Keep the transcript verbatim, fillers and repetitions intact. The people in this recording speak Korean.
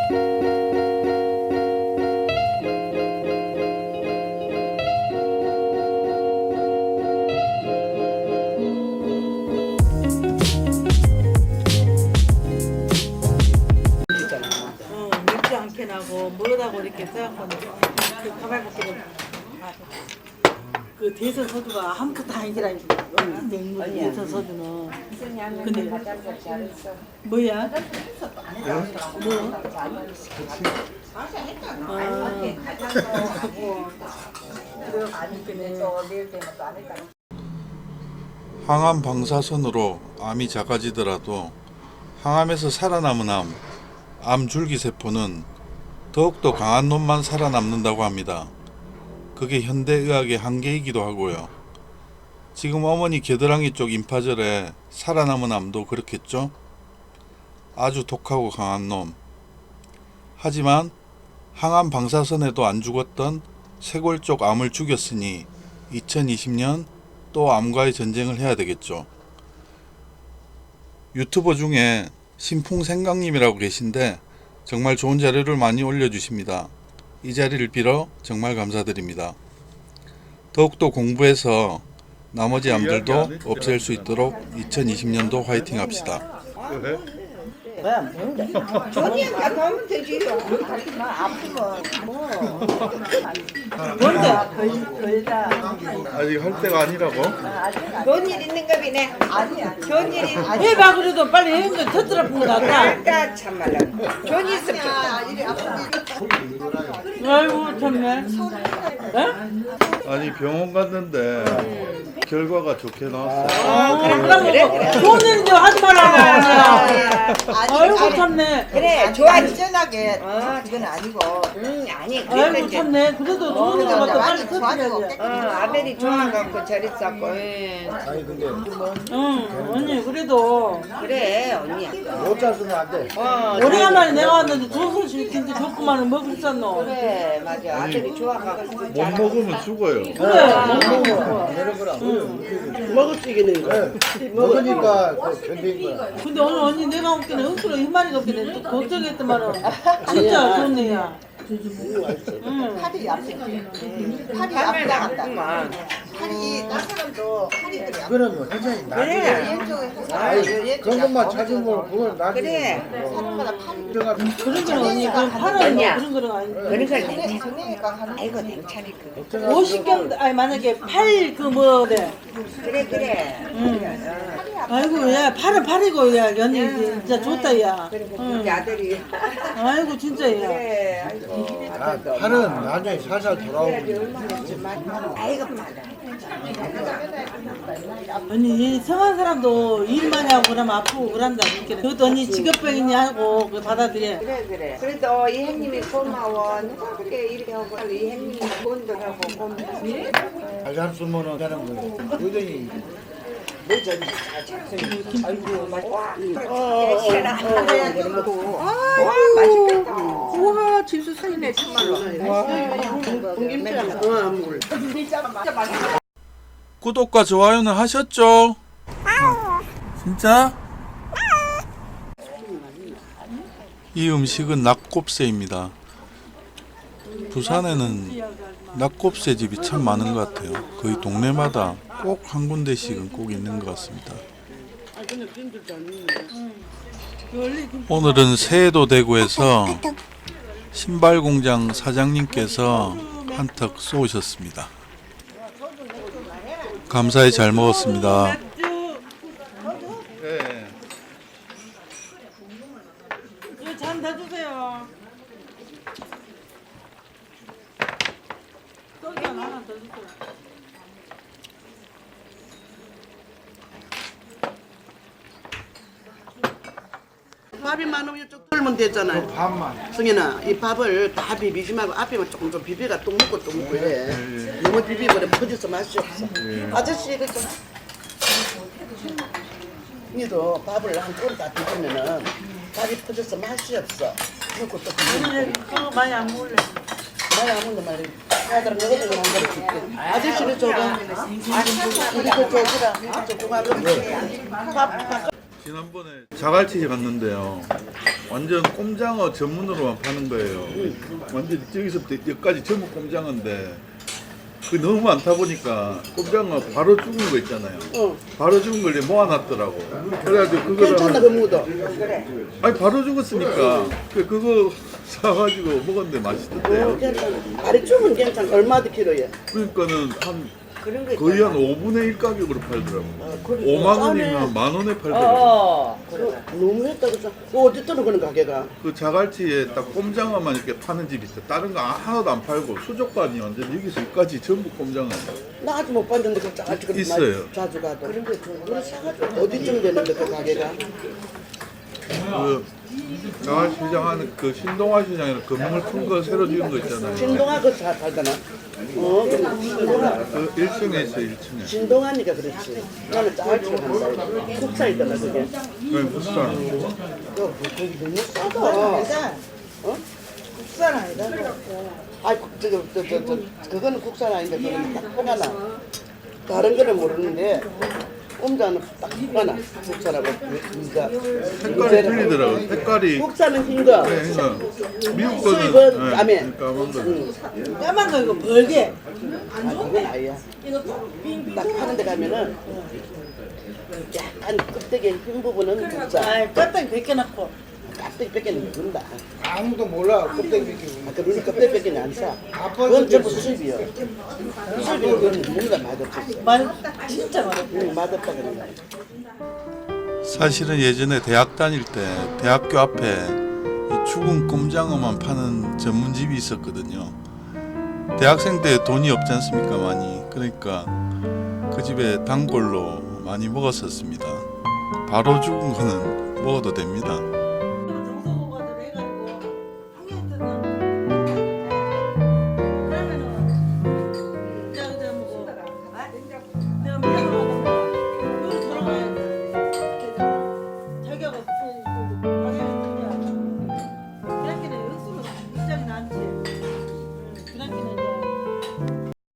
하고 뭐라고 이렇게 써갖고 그 가발 벗기를 그 대선 서두가 아무것도 아니더라 이거 냉물 대선 서두는 근데 뭐야? 뭐? 항암 방사선으로 암이 작아지더라도 항암에서 살아남은 암, 암 줄기세포는 더욱더 강한 놈만 살아남는다고 합니다. 그게 현대의학의 한계이기도 하고요. 지금 어머니 겨드랑이 쪽 임파절에 살아남은 암도 그렇겠죠? 아주 독하고 강한 놈. 하지만 항암 방사선에도 안 죽었던 쇄골 쪽 암을 죽였으니 이천이십 년 또 암과의 전쟁을 해야 되겠죠. 유튜버 중에 신풍생강님이라고 계신데 정말 좋은 자료를 많이 올려주십니다. 이 자리를 빌어 정말 감사드립니다. 더욱더 공부해서 나머지 암들도 없앨 수 있도록 이천이십 년도 화이팅 합시다. 뭐야 뭔데? 전이한테 가면 되지. 하지만 아프면 뭐 뭔데? 걸다. 아직 할 때가 아니라고? 좋은 일 있는가 보네. 아니야. 좋은 일이 아니. 해봐 그래도 빨리 해는 거 터뜨려 본 거 같다. 아까 참말로. 좋은 일 있으면 좋다. 아이고 참네. 에? 아니 병원 갔는데 결과가 좋게 나왔어. 아, 그럼 좋은 일인데 하지 말라고. 아이고 참네. 그래 좋아 시원하게. 어 그건 아니고. 응 아니 아이고 그래도 참네. 그래도 좋은 일인 것도 빨리 터뜨려야지. 어 아벨이 좋아갖고 저랬었고. 아니 근데 응 언니 그래도 그래 언니야. 못 잡으면 안 돼. 어 오래간만에 내가 왔는데 좋은 소식 진짜 좋구만은 먹을 수 없노. 그래 맞아 아벨이 좋아갖고. 못 먹으면 죽어요. 그래. 먹을 수 있겠네 이거. 먹으니까 그 견딘 거야. 근데 오늘 언니 내가 먹기는 억수로 흰마리가 없기는 또 걱정했더만은 진짜 좋은 애야. 응. 팔이 얇지. 팔이 얇다. 팔이 나 사람도 팔이 그래. 그거는 뭐 굉장히 나중에 왼쪽에 아니 그런 것만 찾으면 그걸 나중에 그래. 사람마다 팔이 들어가 그런 거는 언니 그건 팔은 뭐 그런 거는 아닌데. 그러니까 냉장고니까 아이고 냉찬이 그. 오십경 아니 만약에 팔 그 뭐래. 그래 그래. 응. 아이고 야 팔은 팔이고 야 언니 진짜 좋다 야. 우리 아들이. 아이고 진짜 야. 그래. 아이고. 아, 팔은 나중에 살살 돌아오고 아이고 맞아. 언니 성한 사람도 일 많이 하고 그러면 아프고 그런다 그렇게. 그것도 언니 직업병이니 하고 그 받아들여. 그래 그래. 그래도 이 형님이 고마워. 누가 그렇게 이렇게 하고 이 형님이 돈도 하고 고마워. 잘 쓰면은 되는 거예요. 의견이 맛있겠다. 우와 집수 사이네 정말로. 구독과 좋아요는 하셨죠? 진짜? 이 음식은 낙곱새입니다. 부산에는 낙곱새 집이 참 많은 것 같아요. 거의 동네마다 꼭 한 군데씩은 꼭 있는 것 같습니다. 오늘은 새해도 대구에서 신발공장 사장님께서 한턱 쏘셨습니다. 감사히 잘 먹었습니다. 네. 이거 잔 더 주세요. 떡이 하나 더 주세요. 밥이 많으면 이쪽 돌면 되잖아요. 밥만 승현아, 이 밥을 다 비비지 말고 앞에만 조금 좀 비비가 또 먹고 또 먹고 이래. 너무 비비버려 퍼져서 맛이 없어. 아저씨 이거 좀. 니도 밥을 한 꼬리 다 비비면은 밥이 퍼져서 맛이 없어. 먹고 또 비비고. 오늘 그거 많이 안 먹을래. 많이 안 먹는 말이. 아들은 너희들 한 그릇 줄게. 아저씨는 줘봐. 아니, 우리 거 줘주라. 조금 하면 밥, 밥. 지난번에 자갈치 갔는데요. 완전 꼼장어 전문으로만 파는 거예요. 완전 저기서부터 여기까지 전부 꼼장어인데 그 너무 많다 보니까 꼼장어 바로 죽은 거 있잖아요. 어. 바로 죽은 걸 이제 모아놨더라고. 그래가지고 그거를 괜찮나 한- 그 무도. 아니 바로 죽었으니까 그 그거 사가지고 먹었는데 어, 맛있던데요. 괜찮아. 다리 쭈면 괜찮아. 얼마도 키로에? 그러니까는 한 그런 거 거의 한 오분의 일 가격으로 팔더라고. 그래. 오만 싸네. 원이면 만 원에 팔더라고. 어. 그래. 너무 했다 그죠? 그 어디 떠는 그런 가게가? 그 자갈치에 딱 꼼장어만 이렇게 파는 집이 있어. 다른 거 하나도 안 팔고 수족관이 완전 여기서 여기까지 전부 꼼장어. 나 아직 못 봤는데 그 짜가지 그런 있어요. 말 자주 가도. 그런 거 그걸 사가지고 어디쯤 되는데 그 가게가? 그 자갈 시장 하는 그 신동아 시장에는 건물 큰 거 새로 지은 거 있잖아요. 신동아 그거 잘 팔잖아. 어, 그래. 신동아. 그 일 층에 있어 일 층에. 신동아니까 그렇지. 나는 짜갈치가 한다. 국산이잖아 그게. 그 부산. 또 거기 너무 싸다. 아니다. 어? 국산 아니다. 아이 저저 저 저 저 그거는 국산 아닌데 그거는 딱 포가나. 다른 거는 모르는데 꼼자는 딱 포가나. 국산하고 진짜. 색깔이 틀리더라고. 색깔이. 국산은 흰 거. 네, 그러니까 미국 수입은 거는 까매. 까만 거. 응. 까만 거 이거 벌게. 아 그건 아니야. 딱 파는 데 가면은 약간 껍데기 흰 부분은 국산. 아, 껍데기 벗겨놓고. 껍데기 뺏기는 게 그런다. 아무도 몰라 껍데기 벗기고. 아, 그러니 껍데기 뺏기는 안 사. 그건 전부 수입이야. 수입이 그건 뭔가 맛없었어. 만 진짜 많아. 응, 맛없다 그런 거야. 사실은 예전에 대학 다닐 때 대학교 앞에 이 죽은 꼼장어만 파는 전문집이 있었거든요. 대학생 때 돈이 없지 않습니까 많이. 그러니까 그 집에 단골로 많이 먹었었습니다. 바로 죽은 거는 먹어도 됩니다. 정성호가 해가지고 한 개한테는